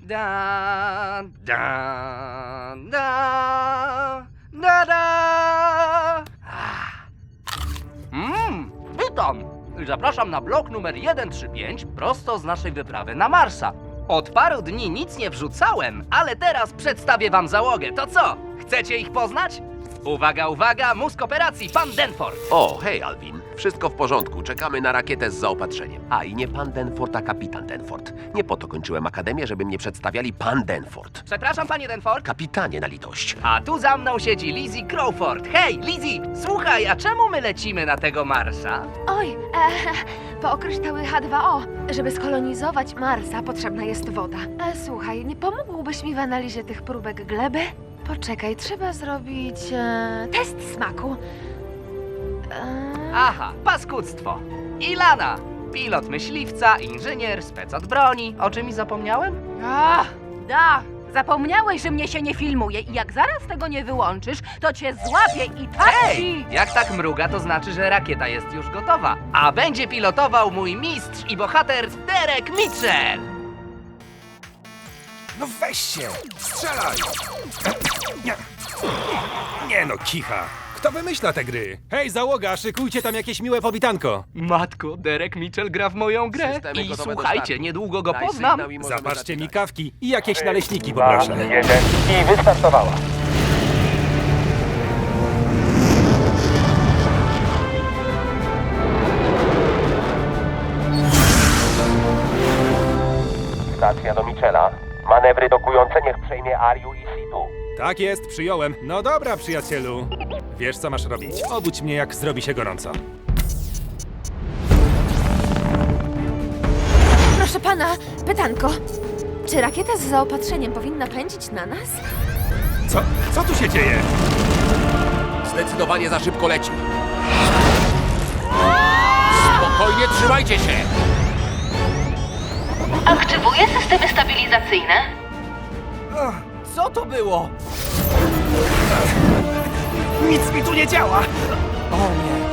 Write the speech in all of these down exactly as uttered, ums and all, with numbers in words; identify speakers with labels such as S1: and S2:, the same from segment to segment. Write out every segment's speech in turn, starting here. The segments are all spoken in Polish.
S1: Da, da, da, da, da. Mmm, witam! Zapraszam na blok numer sto trzydzieści pięć prosto z naszej wyprawy na Marsa. Od paru dni nic nie wrzucałem, ale teraz przedstawię wam załogę. To co? Chcecie ich poznać? Uwaga, uwaga, mózg operacji, pan Denford.
S2: O, hej Alvin. Wszystko w porządku. Czekamy na rakietę z zaopatrzeniem. A i nie pan Denford, a kapitan Denford. Nie po to kończyłem akademię, żeby mnie przedstawiali pan Denford.
S1: Przepraszam, panie Denford.
S2: Kapitanie na litość.
S1: A tu za mną siedzi Lizzie Crawford. Hej, Lizzie, słuchaj, a czemu my lecimy na tego Marsa?
S3: Oj, e, po kryształy H dwa O. Żeby skolonizować Marsa, potrzebna jest woda. E, słuchaj, nie pomógłbyś mi w analizie tych próbek gleby? Poczekaj, trzeba zrobić e, test smaku. E,
S1: Aha, paskudztwo. Ilana, pilot myśliwca, inżynier, spec od broni. O czym mi zapomniałem?
S4: Ach, da! Zapomniałeś, że mnie się nie filmuje i jak zaraz tego nie wyłączysz, to cię złapię i tak
S1: Hej!
S4: ci...
S1: Jak tak mruga, to znaczy, że rakieta jest już gotowa. A będzie pilotował mój mistrz i bohater Derek Mitchell.
S5: No weź się! Strzelaj! Nie, nie no, kicha. Kto wymyśla te gry? Hej, załoga, szykujcie tam jakieś miłe powitanko.
S1: Matko, Derek Mitchell gra w moją grę.
S2: Systemy
S1: I
S2: gotowe do
S1: słuchajcie,
S2: startu.
S1: niedługo go
S2: Daj
S1: poznam.
S2: sygnał i możemy
S5: Zapatrzcie mi
S2: zaczynać.
S5: kawki i jakieś naleśniki poproszę.
S6: jeden i wystartowała. Stacja do Michela. Manewry dokujące niech przejmie Ariu i Situ.
S5: Tak jest, przyjąłem. No dobra, przyjacielu. Wiesz, co masz robić. Obudź mnie, jak zrobi się gorąco.
S3: proszę pana, pytanko. Czy rakieta z zaopatrzeniem powinna pędzić na nas?
S5: Co? Co tu się dzieje?
S2: Zdecydowanie za szybko leci. Spokojnie, trzymajcie się!
S3: Aktywuję systemy stabilizacyjne.
S1: Co to było?
S5: Nic mi tu nie działa!
S1: O nie.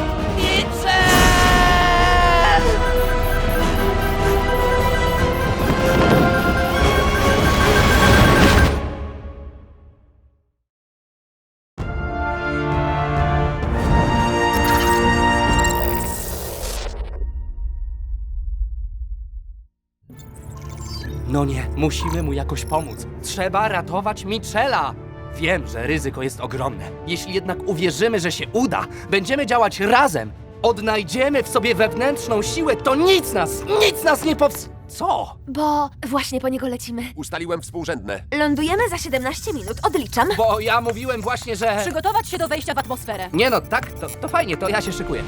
S1: No nie, musimy mu jakoś pomóc. Trzeba ratować Michela. Wiem, że ryzyko jest ogromne. Jeśli jednak uwierzymy, że się uda, będziemy działać razem, odnajdziemy w sobie wewnętrzną siłę, to nic nas, nic nas nie pows... Co?
S3: Bo właśnie po niego lecimy.
S2: Ustaliłem współrzędne.
S3: Lądujemy za siedemnaście minut. Odliczam.
S1: Bo ja mówiłem właśnie, że...
S4: Przygotować się do wejścia w atmosferę.
S1: Nie no, tak, to, to fajnie, to ja się szykuję.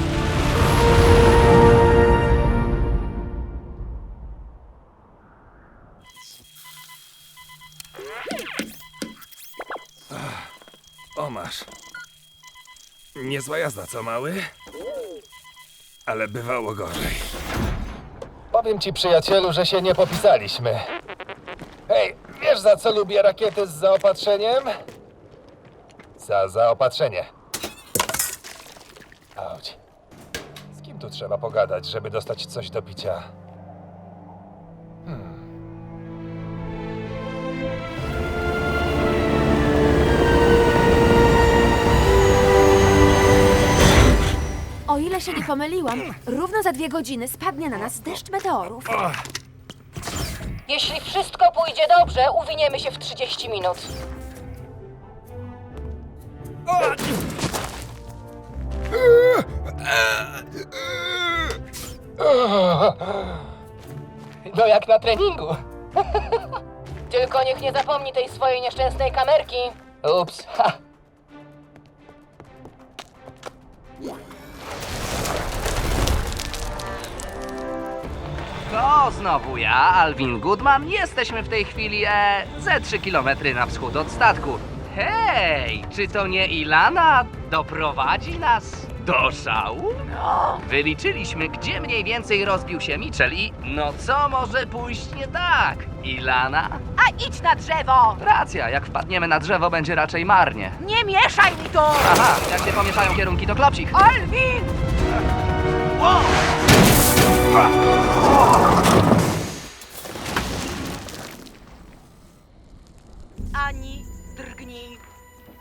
S5: O, masz. Niezła jazda, co mały? Ale bywało gorzej.
S6: Powiem ci, przyjacielu, że się nie popisaliśmy. Hej, wiesz za co lubię rakiety z zaopatrzeniem? Za zaopatrzenie. Auć. Z kim tu trzeba pogadać, żeby dostać coś do picia?
S3: O ile się nie pomyliłam, równo za dwie godziny spadnie na nas deszcz meteorów.
S4: Jeśli wszystko pójdzie dobrze, uwiniemy się w trzydzieści minut. No jak na treningu. Tylko niech nie zapomni tej swojej nieszczęsnej kamerki. Ups. Ha.
S1: To znowu ja, Alvin Goodman. Jesteśmy w tej chwili e, ze trzy kilometry na wschód od statku. Hej, czy to nie Ilana doprowadzi nas do szału? No. Wyliczyliśmy, gdzie mniej więcej rozbił się Mitchell i no co może pójść nie tak? Ilana?
S4: A idź na drzewo!
S1: Racja, jak wpadniemy na drzewo, będzie raczej marnie.
S4: Nie mieszaj mi tu!
S1: Aha, jak się pomieszają kierunki, to klopsik.
S4: Alvin!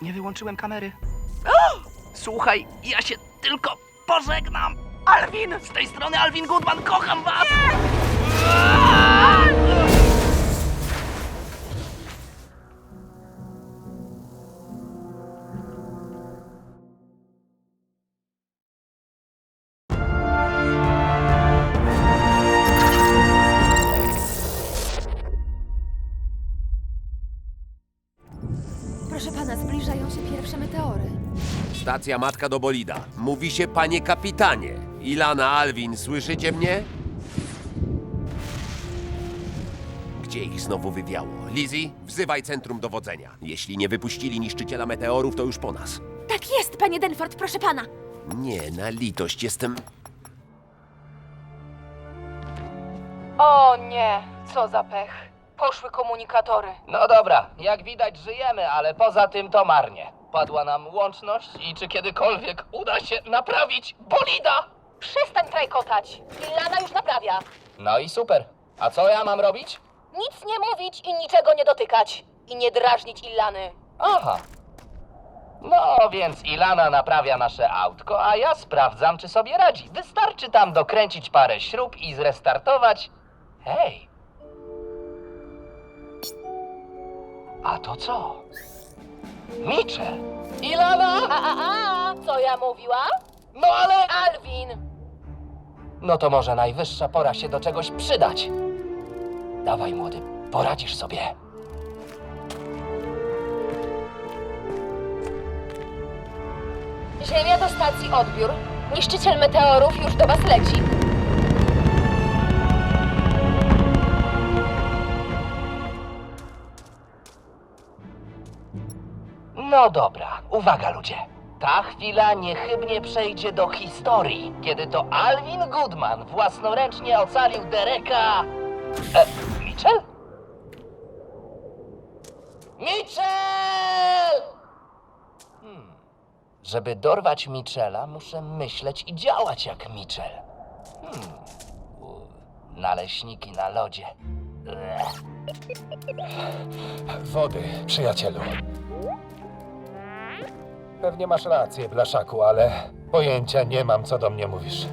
S1: Nie wyłączyłem kamery. O! Słuchaj, ja się tylko pożegnam. Alvin! Z tej strony Alvin Goodman, kocham was!
S3: Proszę pana, zbliżają się pierwsze meteory.
S2: Stacja matka do bolida. Mówi się panie kapitanie. Ilana, Alvin, słyszycie mnie? Gdzie ich znowu wywiało? Lizzie, wzywaj centrum dowodzenia. Jeśli nie wypuścili niszczyciela meteorów, to już po nas.
S3: Tak jest, panie Denford, proszę pana.
S2: Nie, na litość, jestem...
S4: O nie, co za pech. Poszły komunikatory.
S1: No dobra, jak widać żyjemy, ale poza tym to marnie. Padła nam łączność i czy kiedykolwiek uda się naprawić bolida?
S4: Przestań trajkotać. Ilana już naprawia.
S1: No i super. A co ja mam robić?
S4: Nic nie mówić i niczego nie dotykać. I nie drażnić Ilany.
S1: Aha. No więc Ilana naprawia nasze autko, a ja sprawdzam, czy sobie radzi. Wystarczy tam dokręcić parę śrub i zrestartować. Hej. A to co? Mitchell. Ilana!
S4: A, a, a, co ja mówiła?
S1: No ale...
S4: Alvin!
S1: No to może najwyższa pora się do czegoś przydać. Dawaj, młody, poradzisz sobie.
S4: Ziemia do stacji odbiór. Niszczyciel meteorów już do was leci.
S1: No dobra, uwaga ludzie. Ta chwila niechybnie przejdzie do historii, kiedy to Alvin Goodman własnoręcznie ocalił Dereka... E, Mitchell? Mitchell! Hmm. Żeby dorwać Mitchella, muszę myśleć i działać jak Mitchell. Hmm. U, Naleśniki na lodzie. Ech.
S6: Wody, przyjacielu. Pewnie masz rację, blaszaku, ale pojęcia nie mam, co do mnie mówisz.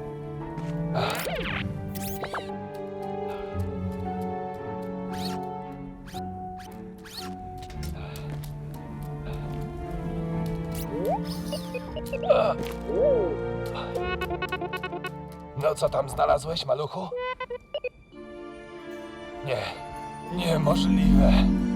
S6: No co tam znalazłeś, maluchu? Nie, niemożliwe.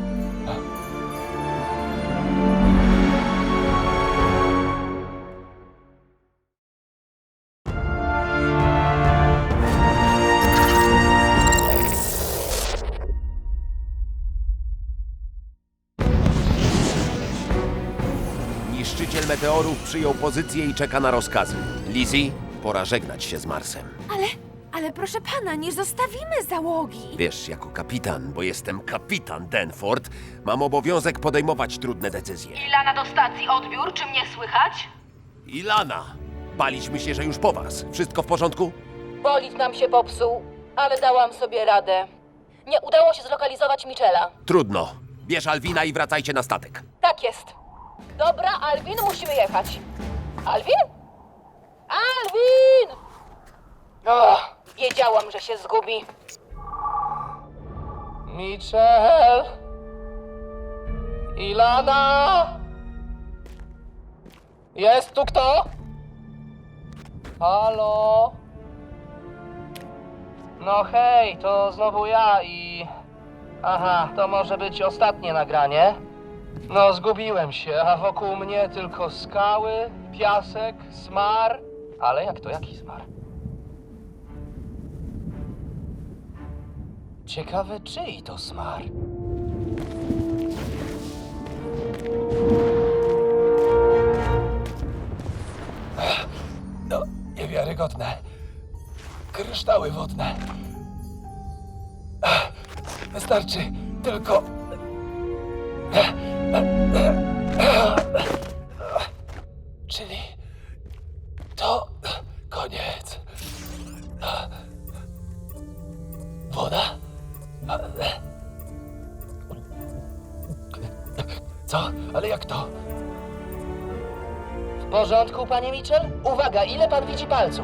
S2: Niszczyciel meteorów przyjął pozycję i czeka na rozkazy. Lizzie, pora żegnać się z Marsem.
S3: Ale, ale proszę pana, nie zostawimy załogi.
S2: Wiesz, jako kapitan, bo jestem kapitan Denford, mam obowiązek podejmować trudne decyzje.
S4: Ilana do stacji odbiór, czy mnie słychać?
S2: Ilana, baliśmy się, że już po was. Wszystko w porządku?
S4: Bolid nam się popsuł, ale dałam sobie radę. Nie udało się zlokalizować Mitchella.
S2: Trudno. Bierz Alwina i wracajcie na statek.
S4: Tak jest. Dobra, Alvin, musimy jechać. Alvin? Alvin! O, wiedziałam, że się zgubi.
S1: Mitchell? Ilana? Jest tu kto? Halo? No hej, to znowu ja i... Aha, to może być ostatnie nagranie. No, zgubiłem się, a wokół mnie tylko skały, piasek, smar. Ale jak to, jaki smar? Ciekawe, czyj to smar?
S6: No, niewiarygodne. Kryształy wodne. Ach, wystarczy tylko... Czyli to koniec. Woda? Co? Ale jak to?
S4: W porządku, panie Mitchell? Uwaga, ile pan widzi palców?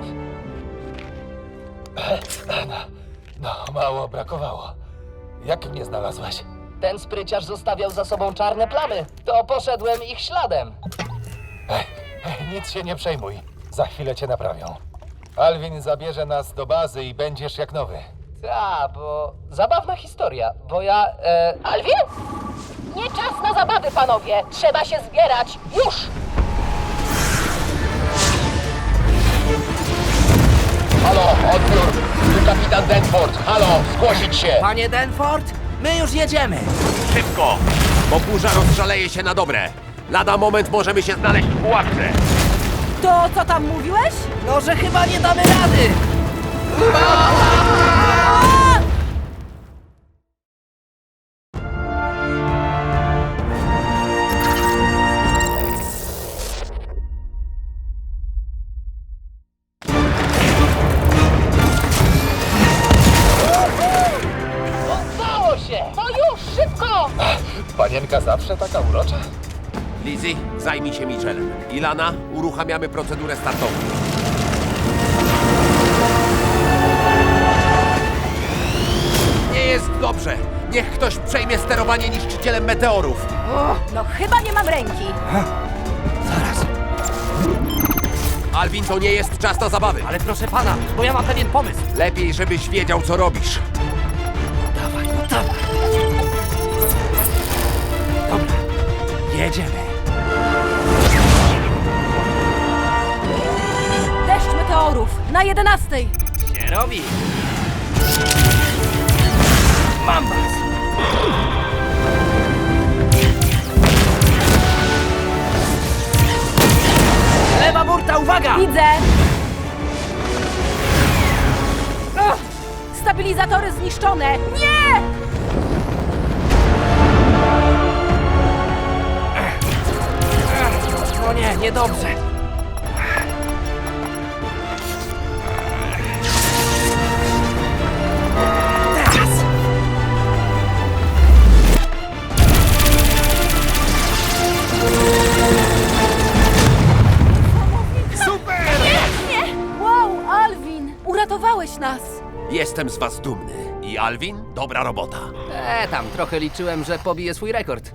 S6: No, mało brakowało. Jak mnie znalazłeś?
S4: Ten spryciarz zostawiał za sobą czarne plamy. To poszedłem ich śladem.
S6: Ej, ej, nic się nie przejmuj. Za chwilę cię naprawią. Alvin zabierze nas do bazy i będziesz jak nowy.
S4: Ta, bo zabawna historia, bo ja... E... Alvin? Nie czas na zabawy, panowie! Trzeba się zbierać! Już!
S2: Halo, odbiór! Tu kapitan Denford. Halo, zgłosić się!
S1: Panie Denford, my już jedziemy.
S2: Szybko! Bo burza rozszaleje się na dobre. Lada moment możemy się znaleźć w pułapce.
S7: To co tam mówiłeś?
S1: No, że chyba nie damy rady.
S4: Udało się! No już, szybko!
S6: Panienka zawsze taka urocza?
S2: Lizzie, zajmij się Mitchellem. Ilana, uruchamiamy procedurę startową. Nie jest dobrze. Niech ktoś przejmie sterowanie niszczycielem meteorów.
S7: No chyba nie mam ręki.
S1: Zaraz,
S2: Alvin, to nie jest czas na zabawy.
S1: ale proszę pana, bo ja mam pewien pomysł.
S2: Lepiej, żebyś wiedział, co robisz.
S1: Dawaj, no dawaj. Dobra, jedziemy.
S7: Deszcz meteorów na jedenastej.
S1: Się robi. Mam was. Lewa burta, uwaga!
S7: Widzę. Ugh, stabilizatory zniszczone. Nie!
S1: No nie, niedobrze. Teraz!
S7: Wow, Alvin, uratowałeś nas.
S2: Jestem z was dumny. I Alvin, dobra robota.
S1: E, tam trochę liczyłem, że pobije swój rekord.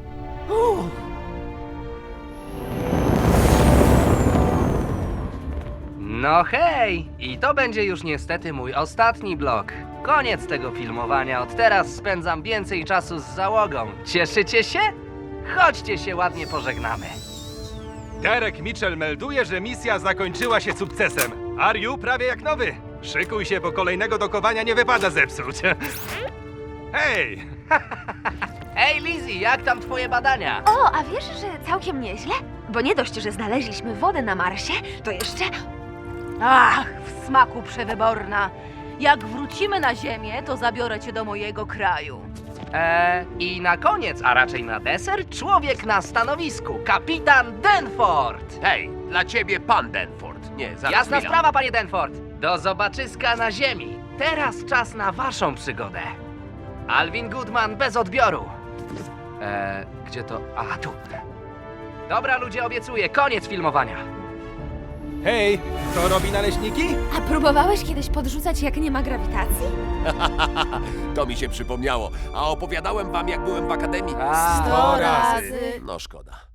S1: No hej! I to będzie już niestety mój ostatni blok. Koniec tego filmowania. Od teraz spędzam więcej czasu z załogą. Cieszycie się? Chodźcie się ładnie pożegnamy.
S5: Derek Mitchell melduje, że misja zakończyła się sukcesem. Ariu prawie jak nowy. Szykuj się, bo kolejnego dokowania nie wypada zepsuć. Hej!
S1: Ej, Lizzie, jak tam twoje badania?
S3: O, a wiesz, że całkiem nieźle? Bo nie dość, że znaleźliśmy wodę na Marsie, to jeszcze...
S7: Ach, w smaku przewyborna. Jak wrócimy na ziemię, to zabiorę cię do mojego kraju.
S1: Eee, i na koniec, a raczej na deser, człowiek na stanowisku, kapitan Denford!
S2: Hej, dla ciebie pan Denford. Nie, zaraz
S1: Jasna
S2: chwila.
S1: sprawa, panie Denford. Do zobaczyska na ziemi. Teraz czas na waszą przygodę. Alvin Goodman bez odbioru. Eee, gdzie to? A, tu. Dobra, ludzie, obiecuję, koniec filmowania.
S5: Hej, kto robi naleśniki?
S3: A próbowałeś kiedyś podrzucać, jak nie ma grawitacji?
S2: To mi się przypomniało. A opowiadałem wam, jak byłem w akademii?
S1: A,
S7: Sto razy.
S2: No szkoda.